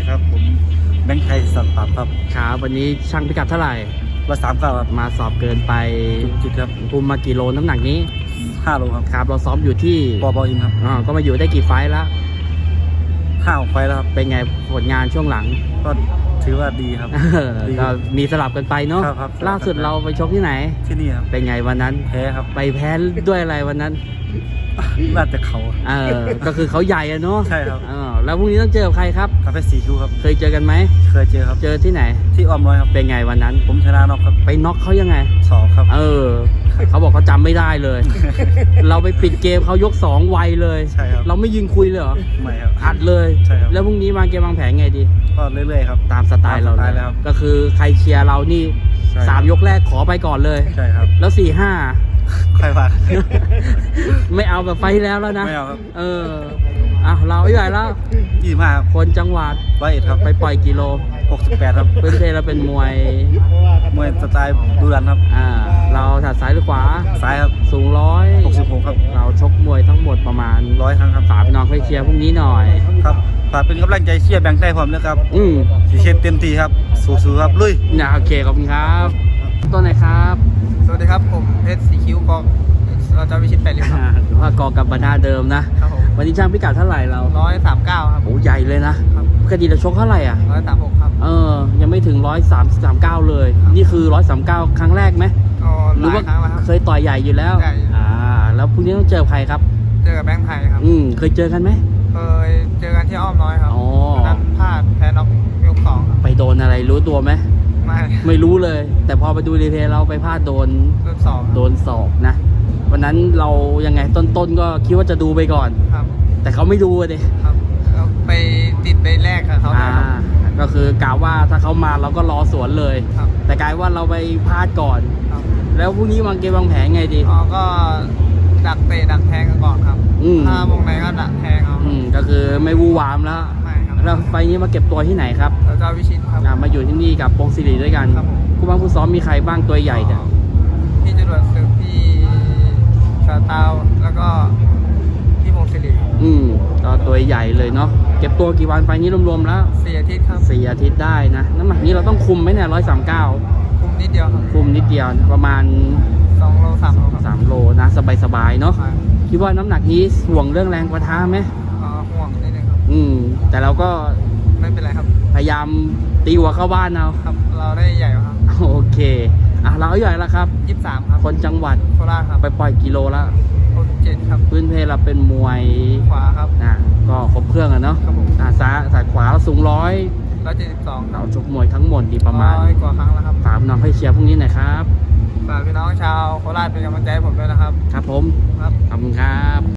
ครับผมแบงค์ไทยสัตว์ปรับครับครับวันนี้ช่างพิกัดเท่าไหร่ 139ครับมาสอบเกินไปจุดครับคุมมากี่โลน้ำหนักนี้ 5 โลครับครับเราซ้อมอยู่ที่ปบอินครับก็มาอยู่ได้กี่ไฟล์แล้ว 5 ไฟล์แล้วครับเป็นไงผลงานช่วงหลังก็ถือว่าดีครับก็มีสลับกันไปเนาะครับล่าสุดเราไปชกที่ไหนที่นี่ครับเป็นไงวันนั้นแพ้ครับไปแพ้ด้วยอะไรวันนั้นน่าจะเขาก็คือเขาใหญ่อะเนาะใช่ครับแล้วพรุ่งนี้ต้องเจอกับใครครับคาเฟ่สีคิวครับเคยเจอกันไหมเคยเจอครับเจอที่ไหนที่อ้อมน้อยครับเป็นไงวันนั้นผมชนะน็อกครับไปน็อกเขายังไง 2ครับเขาบอกเขาจำไม่ได้เลย เราไปปิดเกมเขายก2ไวเลยใช่ครับเราไม่ยิงคุยเลยเหรอไม่ครับอัดเลยใช่ครับแล้วพรุ่งนี้วางเกมวางแผนไงดีก็เรื่อยๆครับตามสไตล์เราเลยก็คือใครเชียร์เรานี่3ยกแรกขอไปก่อนเลยใช่ครับแล้ว4-5 ค่อยว่าไม่เอาแบบไฟแล้วนะไม่เอาครับเราใหญ่แล้ว 25ครับคนจังหวัด 101ครับไปปล่อยกิโล 68ครับพื้นเพเราเป็นมวยสไตล์ดุดันครับเราถัดซ้ายหรือขวาซ้ายครับสูง 66ครับเราชกมวยทั้งหมดประมาณ 100 ครั้งครับฝากพี่น้องไปเชียร์พรุ่งนี้หน่อยครับฝากเป็นกำลังใจเชียร์แบงค์ไทยผมนะครับสีเชียร์เต็มที่ครับสู้ๆครับลุยโอเคขอบคุณครับตัวไหนครับสวัสดีครับผมเพชรสีคิ้วกองเราจะวิชิต8 ริ้วครับหรือว่ากอกลับมาหน้าเดิมนะครับผมวันนี้ช่างพิกัดเท่าไหร่เรา 139ครับโอ้ใหญ่เลยนะครับปกติเราชกเท่าไหร่ 136ครับยังไม่ถึง139เลยนี่คือ139ครั้งแรกไหมหรือว่าเคยต่อยใหญ่อยู่แล้วแล้วพรุ่งนี้ต้องเจอใครครับเจอกับแบงค์ไทยครับเคยเจอกันไหมเคยเจอกันที่อ้อมน้อยครับนั้นพลาดแพ้น็อกยก2ครับไปโดนอะไรรู้ตัวไหมไม่รู้เลยแต่พอไปดูรีเพลย์เราไปพลาดโดนศอกนะวันนั้นเรายังไงต้นก็คิดว่าจะดูไปก่อนครับแต่เขาไม่ดูเลยครับไปติดในแรกกับเขาก็คือกล่าวว่าถ้าเขามาเราก็รอสวนเลยแต่กลายว่าเราไปพลาดก่อนแล้วพรุ่งนี้วางเกมวางแผนไงดีก็ดักเตะดักแทงกันก่อนครับถ้าวงในก็ดักแทงเอาก็คือไม่วู่วามแล้วแล้วไฟนี้มาเก็บตัวที่ไหนครับเราจะวิชิตครับมาอยู่ที่นี่กับปงศิริด้วยกันคู่บ้างคู่ซ้อมมีใครบ้างตัวใหญ่เนี่ยพี่จรวดศึกพี่ชาตาวแล้วก็พี่พงศิริก็ตัวใหญ่เลยเนาะเก็บตัวกี่วันไฟนี้รวมๆแล้ว 4 อาทิตย์ครับ 4 อาทิตย์ได้นะน้ำหนักนี้เราต้องคุมไหมเนี่ย139 คุมนิดเดียวครับคุมนิดเดียวประมาณ 2 โล 3 โลครับ 3 โลนะสบายๆเนาะคิดว่าน้ำหนักนี้ห่วงเรื่องแรงปะทะไหมห่วงนิดนึงครับแต่เราก็ไม่เป็นไรครับพยายามตีหัวเข้าบ้านเอาครับเราได้ใหญ่ครับโอเคเราใหญ่แล้วครับ 23ครับคนจังหวัดโคราชครับไปปล่อยกิโลละ 67ครับพื้นเพเราเป็นมวยขวาครับก็ครบเครื่องเนาะซ้ายขวาสูง 172 เราชกมวยทั้งหมดดีประมาณ 100 กว่าครั้งแล้วครับฝากน้องให้เชียร์พรุ่งนี้หน่อยครับฝากพี่น้องชาวโคราชเป็นกำลังใจให้ผมด้วยนะครับครับผมครับขอบคุณครับ